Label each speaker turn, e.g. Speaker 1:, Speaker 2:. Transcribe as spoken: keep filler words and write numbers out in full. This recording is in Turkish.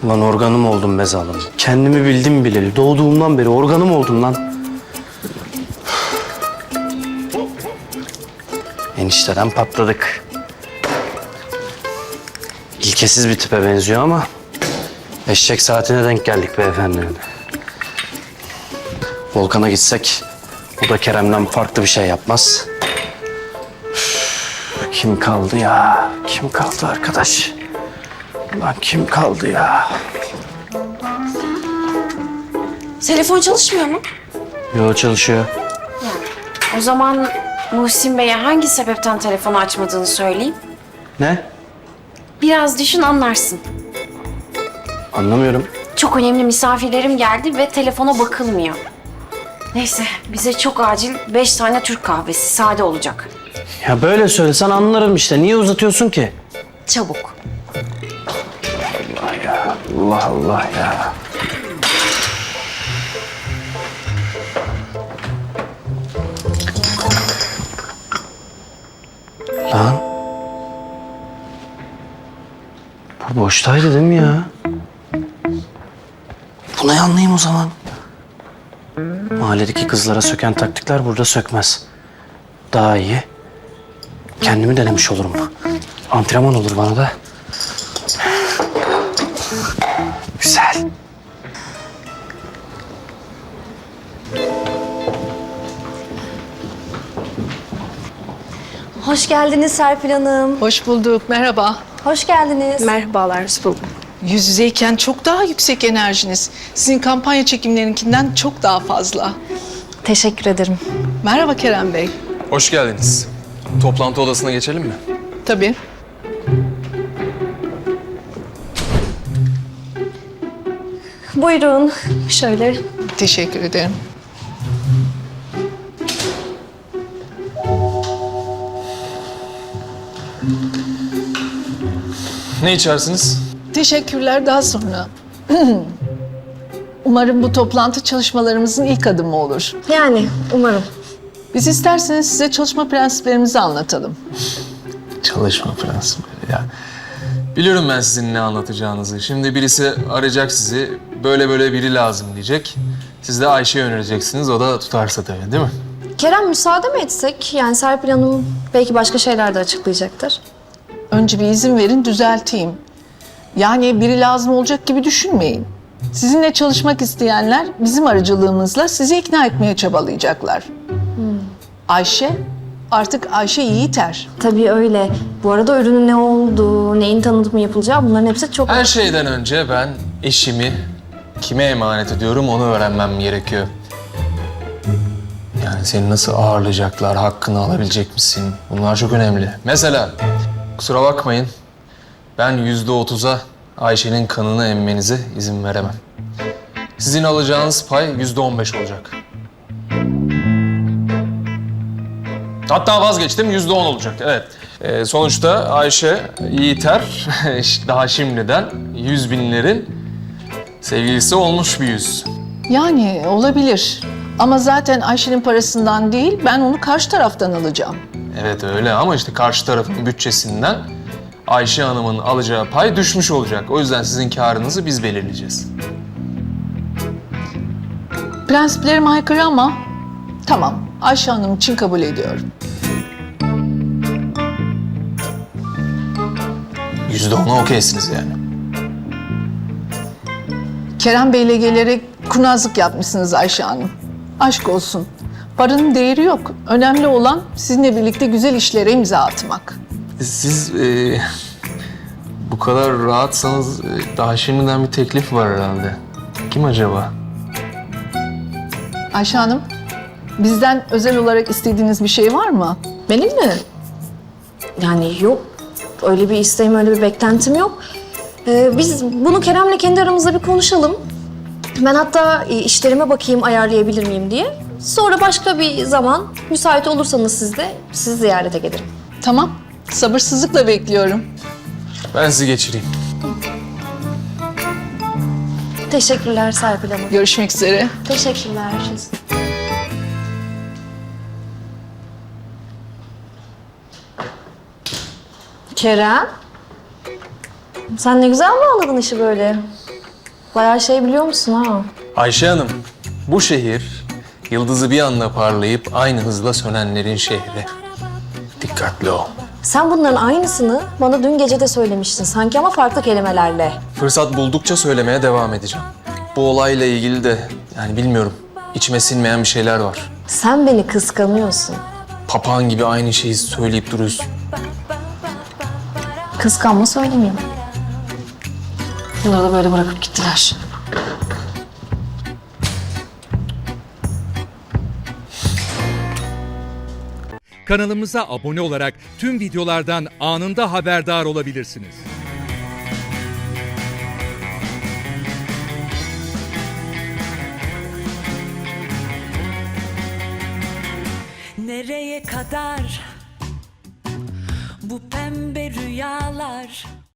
Speaker 1: Lan organım oldum be zalim. Kendimi bildim bileli. Doğduğumdan beri organım oldum lan. Enişteden patladık. İlkesiz bir tipe benziyor ama eşek saatine denk geldik beyefendi. Volkan'a gitsek o da Kerem'den farklı bir şey yapmaz. Üf, kim kaldı ya? Kim kaldı arkadaş? Lan kim kaldı ya?
Speaker 2: Telefon çalışmıyor mu?
Speaker 1: Yo, çalışıyor.
Speaker 2: O zaman Muhsin Bey'e hangi sebepten telefonu açmadığını söyleyeyim.
Speaker 1: Ne?
Speaker 2: Biraz düşün anlarsın.
Speaker 1: Anlamıyorum.
Speaker 2: Çok önemli misafirlerim geldi ve telefona bakılmıyor. Neyse bize çok acil beş tane Türk kahvesi sade olacak.
Speaker 1: Ya böyle söylesen anlarım işte. Niye uzatıyorsun ki?
Speaker 2: Çabuk.
Speaker 1: Allah ya. Allah Allah ya. Lan. Bu boştaydı değil mi ya? Buna yanlayayım o zaman. Mahalledeki kızlara söken taktikler burada sökmez. Daha iyi. Kendimi denemiş olurum. Antrenman olur bana da. Güzel.
Speaker 3: Hoş geldiniz Serpil Hanım.
Speaker 4: Hoş bulduk, merhaba.
Speaker 3: Hoş geldiniz.
Speaker 5: Merhabalar, hoş bulduk.
Speaker 4: Yüz yüzeyken çok daha yüksek enerjiniz. Sizin kampanya çekimlerinkinden çok daha fazla.
Speaker 3: Teşekkür ederim.
Speaker 4: Merhaba Kerem Bey.
Speaker 6: Hoş geldiniz. Toplantı odasına geçelim mi?
Speaker 4: Tabii.
Speaker 3: Buyurun. Şöyle.
Speaker 4: Teşekkür ederim.
Speaker 6: Ne içersiniz?
Speaker 4: Teşekkürler, daha sonra. Umarım bu toplantı çalışmalarımızın ilk adımı olur.
Speaker 3: Yani umarım.
Speaker 4: Biz isterseniz size çalışma prensiplerimizi anlatalım.
Speaker 6: Çalışma prensipleri ya. Biliyorum ben sizin ne anlatacağınızı. Şimdi birisi arayacak sizi, böyle böyle biri lazım diyecek. Siz de Ayşe'yi önereceksiniz, o da tutarsa tabii değil mi?
Speaker 3: Kerem müsaade mi etsek? Yani Serpil Hanım belki başka şeyler de açıklayacaktır.
Speaker 4: Önce bir izin verin, düzelteyim. Yani biri lazım olacak gibi düşünmeyin. Sizinle çalışmak isteyenler bizim aracılığımızla sizi ikna etmeye çabalayacaklar. Ayşe, artık Ayşe Yiğiter.
Speaker 3: Tabii öyle. Bu arada ürünün ne olduğu, neyin tanıtımı yapılacağı bunların hepsi çok...
Speaker 6: Her şeyden önce ben eşimi kime emanet ediyorum onu öğrenmem gerekiyor. Yani seni nasıl ağırlayacaklar, hakkını alabilecek misin? Bunlar çok önemli. Mesela, kusura bakmayın, ben yüzde otuza Ayşe'nin kanını emmenize izin veremem. Sizin alacağınız pay yüzde on beş olacak. Hatta vazgeçtim, yüzde on olacak, evet. Ee, sonuçta Ayşe Yiğiter daha şimdiden yüz binlerin sevgilisi olmuş bir yüz.
Speaker 4: Yani olabilir. Ama zaten Ayşe'nin parasından değil, ben onu karşı taraftan alacağım.
Speaker 6: Evet öyle ama işte karşı tarafın bütçesinden Ayşe Hanım'ın alacağı pay düşmüş olacak. O yüzden sizin karınızı biz belirleyeceğiz.
Speaker 4: Prensiplerime aykırı ama tamam, Ayşe Hanım için kabul ediyorum.
Speaker 6: Yüzde ona okeysiniz yani.
Speaker 4: Kerem Bey'le gelerek kurnazlık yapmışsınız Ayşe Hanım. Aşk olsun. Paranın değeri yok. Önemli olan sizinle birlikte güzel işlere imza atmak.
Speaker 6: Siz e, bu kadar rahatsanız e, daha şimdiden bir teklif var herhalde. Kim acaba?
Speaker 4: Ayşe Hanım, bizden özel olarak istediğiniz bir şey var mı?
Speaker 3: Benim mi? Yani yok. Öyle bir isteğim, öyle bir beklentim yok. Ee, biz bunu Kerem'le kendi aramızda bir konuşalım. Ben hatta e, işlerime bakayım ayarlayabilir miyim diye. Sonra başka bir zaman müsait olursanız siz de sizi ziyarete gelirim.
Speaker 4: Tamam, sabırsızlıkla bekliyorum.
Speaker 6: Ben sizi geçireyim.
Speaker 3: Teşekkürler Serpil Hanım.
Speaker 4: Görüşmek üzere.
Speaker 3: Teşekkürler. Kerem, sen ne güzel mi anladın işi böyle? Bayağı şey biliyor musun ha?
Speaker 6: Ayşe Hanım, bu şehir yıldızı bir anda parlayıp aynı hızla sönenlerin şehri. Dikkatli ol.
Speaker 3: Sen bunların aynısını bana dün gece de söylemiştin sanki ama farklı kelimelerle.
Speaker 6: Fırsat buldukça söylemeye devam edeceğim. Bu olayla ilgili de yani bilmiyorum, içime sinmeyen bir şeyler var.
Speaker 3: Sen beni kıskanıyorsun.
Speaker 6: Papağan gibi aynı şeyi söyleyip duruyorsun.
Speaker 3: Kıskanma söylemeyeyim. Bunları da böyle bırakıp gittiler.
Speaker 5: Kanalımıza abone olarak tüm videolardan anında haberdar olabilirsiniz.
Speaker 7: Nereye kadar bu pembe rüyalar?